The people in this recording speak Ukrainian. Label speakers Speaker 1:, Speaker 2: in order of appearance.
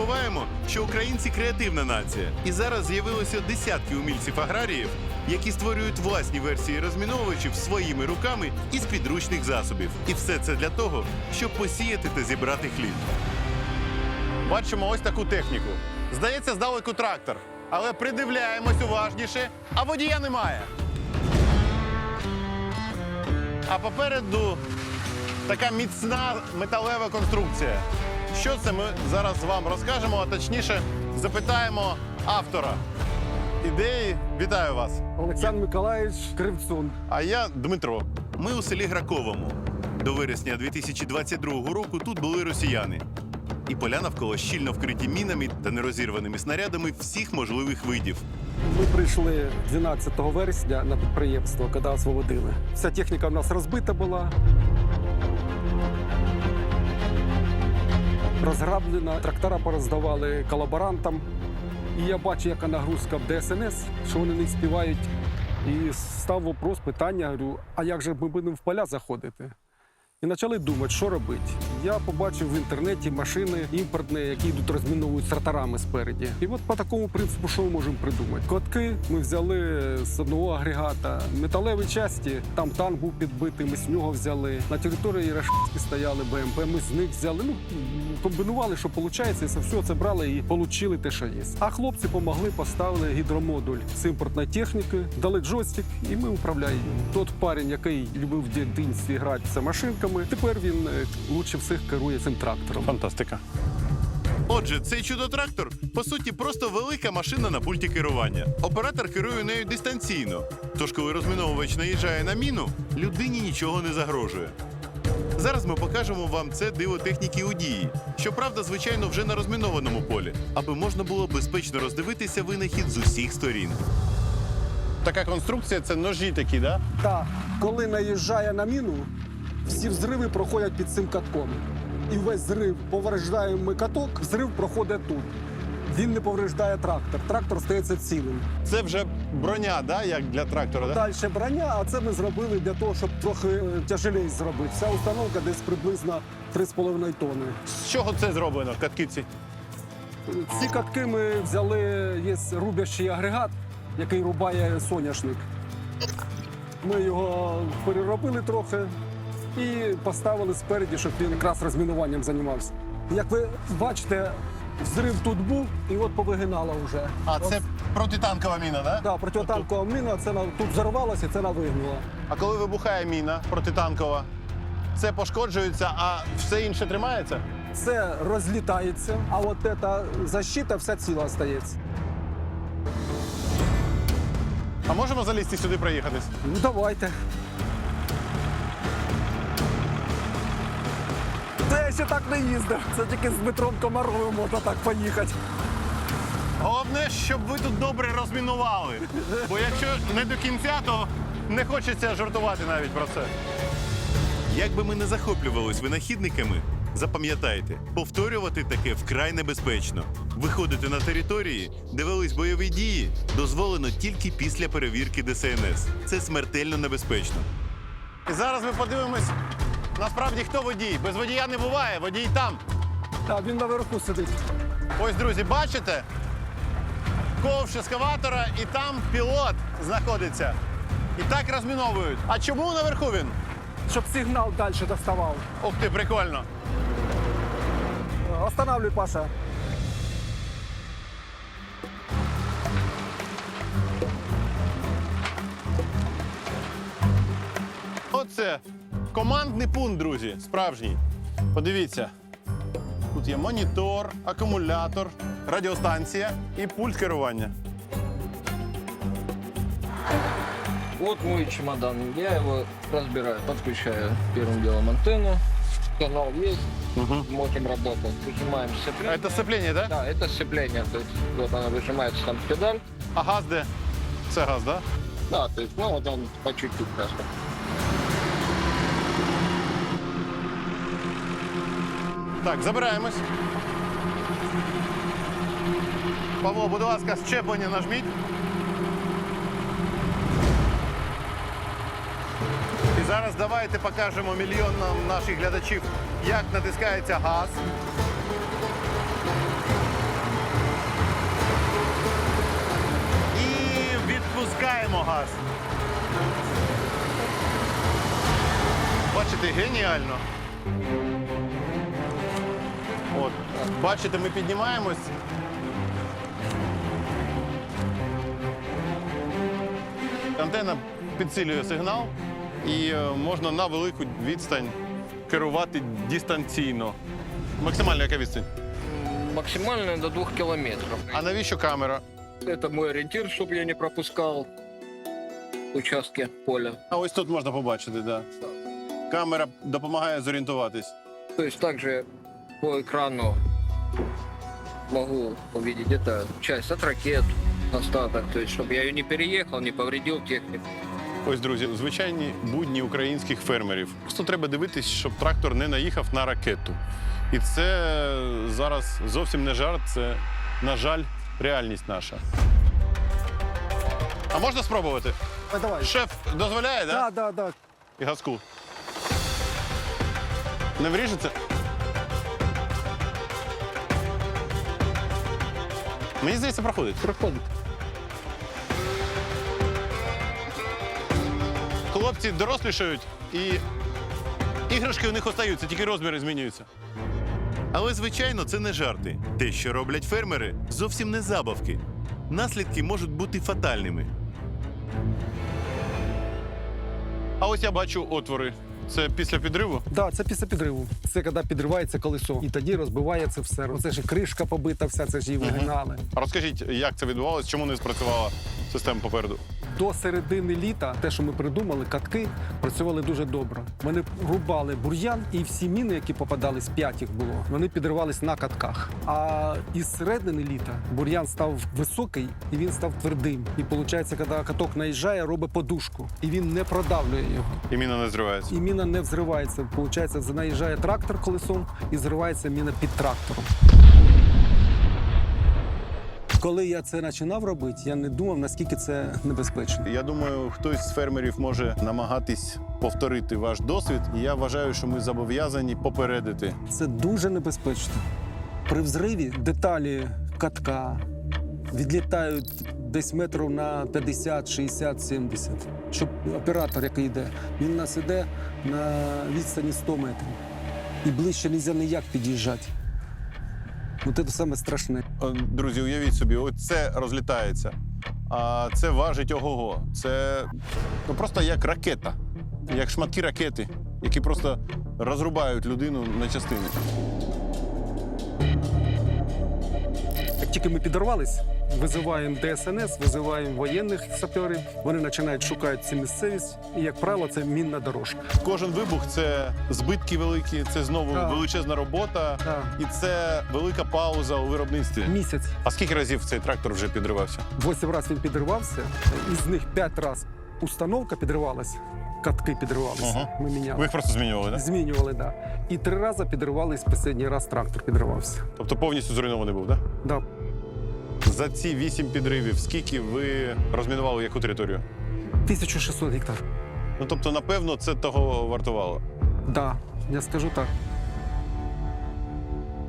Speaker 1: забуваємо, що українці креативна нація. І зараз з'явилося десятки умільців-аграріїв, які створюють власні версії розміновувачів своїми руками із підручних засобів. І все це для того, щоб посіяти та зібрати хліб.
Speaker 2: Бачимо ось таку техніку. Здається, здалеку трактор. Але придивляємось уважніше, а водія немає. А попереду така міцна металева конструкція. Що це, ми зараз вам розкажемо, а точніше запитаємо автора ідеї. Вітаю вас.
Speaker 3: Олександр Миколаївич Кривцун.
Speaker 2: А я Дмитро.
Speaker 1: Ми у селі Граковому. До вересня 2022 року тут були росіяни. І поля навколо щільно вкриті мінами та нерозірваними снарядами всіх можливих видів.
Speaker 3: Ми прийшли 12 вересня на підприємство, коли освободили. Вся техніка в нас розбита була. Розграблена, трактора пороздавали колаборантам. І я бачу, яка нагрузка в ДСНС, що вони не співають. І став вопрос, питання, говорю, а як же ми будемо в поля заходити? І почали думати, що робити. Я побачив в інтернеті машини імпортні, які йдуть розміновують з тракторами спереді. І от по такому принципу, що ми можемо придумати? Котки ми взяли з одного агрегата, металеві часті, там танк був підбитий, ми з нього взяли. На території Рашки стояли БМП, ми з них взяли. Ну, комбінували, що виходить, і все це брали і отримали те, що є. А хлопці допомогли, поставили гідромодуль з імпортної техніки, дали джойстик, і ми управляємо. Тот парень, який любив в дитинстві грати з машинками, тепер він лучше всіх керує цим трактором.
Speaker 2: Фантастика.
Speaker 1: Отже, цей чудо-трактор, по суті, просто велика машина на пульті керування. Оператор керує нею дистанційно. Тож, коли розміновувач наїжджає на міну, людині нічого не загрожує. Зараз ми покажемо вам це диво техніки у дії. Щоправда, звичайно, вже на розмінованому полі, аби можна було безпечно роздивитися винахід з усіх сторін.
Speaker 2: Така конструкція – це ножі такі, да?
Speaker 3: Так, коли наїжджає на міну, всі взриви проходять під цим катком. І весь зрив повреждає каток, взрив проходить тут. Він не повреждає трактор. Трактор стається цілим.
Speaker 2: Це вже броня, да, як для трактора, да?
Speaker 3: Далі броня, а це ми зробили для того, щоб трохи тяжелее зробити. Вся установка десь приблизно 3,5 тонни.
Speaker 2: З чого це зроблено, катки ці?
Speaker 3: Ці катки ми взяли, є рубящий агрегат, який рубає соняшник. Ми його переробили трохи і поставили спереді, щоб він якраз розмінуванням займався. Як ви бачите, взрив тут був і от повигинало вже.
Speaker 2: А це протитанкова міна, да?
Speaker 3: Так, протитанкова міна, це тут взорвалося, це вигнуло.
Speaker 2: А коли вибухає міна протитанкова, це пошкоджується, а все інше тримається?
Speaker 3: Це розлітається, а от ця защита вся ціла стається.
Speaker 2: А можемо залізти сюди проїхатись?
Speaker 3: Ну давайте. Це я ще так не їздив. Це тільки з Дмитром Комаровим можна так поїхати.
Speaker 2: Головне, щоб ви тут добре розмінували. Бо якщо не до кінця, то не хочеться жартувати навіть про це.
Speaker 1: Як би ми не захоплювались винахідниками, запам'ятайте, повторювати таке вкрай небезпечно. Виходити на території, де велись бойові дії, дозволено тільки після перевірки ДСНС. Це смертельно небезпечно.
Speaker 2: І зараз ми подивимось, насправді, хто водій. Без водія не буває, водій там.
Speaker 3: Так, він наверху сидить.
Speaker 2: Ось, друзі, бачите? Ковш ескаватора, і там пілот знаходиться. І так розміновують. А чому наверху він?
Speaker 3: Щоб сигнал далі доставав.
Speaker 2: Ух ти, прикольно.
Speaker 3: Останавливай, Паша.
Speaker 2: Оце командний пункт, друзі, справжній. Подивіться. Тут є монітор, акумулятор, радіостанція і пульт керування.
Speaker 4: Вот мой чемодан. Я его разбираю, подключаю первым делом антенну. Канал есть, можем работать. Выжимаем сцепление.
Speaker 2: Це сцеплення, так? Да?
Speaker 4: Да, это сцепление. То есть вот она выжимается там педаль.
Speaker 2: А газ де? Це газ, так? Да?
Speaker 4: Да, то есть, ну вот он по чуть-чуть просто.
Speaker 2: Так, забираємось. Павло, будь ласка, щеплення нажміть. І зараз давайте покажемо мільйонам наших глядачів, як натискається газ. Клас. Бачите, геніально. От. Бачите, ми піднімаємось. Антенна підсилює сигнал і можна на велику відстань керувати дистанційно. Максимальна яка відстань?
Speaker 4: Максимально до 2 километров.
Speaker 2: А навіщо камера?
Speaker 4: Это мой ориентир, чтобы я не пропускал участки поля.
Speaker 2: А ось тут можна побачити, так. Да. Камера допомагає зорієнтуватись.
Speaker 4: То есть также по экрану могу увидеть это часть от ракет, остаток, то есть чтобы я ее не переехал, не повредил технику.
Speaker 2: Ось, друзі, звичайні будні українських фермерів. Просто треба дивитись, щоб трактор не наїхав на ракету. І це зараз зовсім не жарт, це, на жаль, реальність наша. А можна спробувати?
Speaker 3: Давай.
Speaker 2: Шеф дозволяє, так?
Speaker 3: Да.
Speaker 2: І газку. Не вріжеться? Мені здається, проходить.
Speaker 3: Проходить.
Speaker 2: Хлопці дорослішають і іграшки у них остаються, тільки розміри змінюються.
Speaker 1: Але, звичайно, це не жарти. Те, що роблять фермери, зовсім не забавки. Наслідки можуть бути фатальними.
Speaker 2: А ось я бачу отвори. Це після підриву?
Speaker 3: Да, це після підриву. Це коли підривається колесо. І тоді розбивається все. Це ж і кришка побита, вся це ж її вигинали.
Speaker 2: А розкажіть, як це відбувалося, чому не спрацювала система попереду?
Speaker 3: До середини літа те, що ми придумали, катки, працювали дуже добре. Вони рубали бур'ян, і всі міни, які попадались, 5 їх було, вони підривались на катках. А із середини літа бур'ян став високий і він став твердим. І виходить, коли каток наїжджає, робить подушку. І він не продавлює його.
Speaker 2: І міна не зривається.
Speaker 3: І міна не взривається. Виходить, наїжджає трактор колесом і зривається міна під трактором. Коли я це починав робити, я не думав, наскільки це небезпечно.
Speaker 2: Я думаю, хтось з фермерів може намагатись повторити ваш досвід. І я вважаю, що ми зобов'язані попередити.
Speaker 3: Це дуже небезпечно. При взриві деталі катка відлітають десь метрів на 50, 60, 70. Щоб оператор, який йде, він у нас іде на відстані 100 метрів. І ближче не можна ніяк під'їжджати. От це саме страшне.
Speaker 2: Друзі, уявіть собі, ось це розлітається. А це важить ого-го. Це просто як ракета, як шматки ракети, які просто розрубають людину на частини.
Speaker 3: Як тільки ми підорвались, визиваємо ДСНС, визиваємо воєнних саперів, вони починають шукати цю місцевість, і, як правило, це мінна дорожка.
Speaker 2: Кожен вибух це збитки великі, це знову
Speaker 3: Так.
Speaker 2: величезна робота,
Speaker 3: Так.
Speaker 2: і це велика пауза у виробництві.
Speaker 3: Місяць.
Speaker 2: А скільки разів цей трактор вже підривався?
Speaker 3: 8 разів він підривався, із них 5 разів установка підривалася, катки підривалися,
Speaker 2: Ага.
Speaker 3: ми
Speaker 2: Ви
Speaker 3: міняли.
Speaker 2: їх просто змінювали, так?
Speaker 3: Змінювали, так. Да. І 3 рази підривались, останній раз трактор підривався.
Speaker 2: Тобто повністю зруйнований був, так?
Speaker 3: Да.
Speaker 2: За ці 8 підривів скільки ви розмінували яку територію?
Speaker 3: 1600 гектар.
Speaker 2: Ну, тобто, напевно, це того вартувало.
Speaker 3: Да, я скажу так.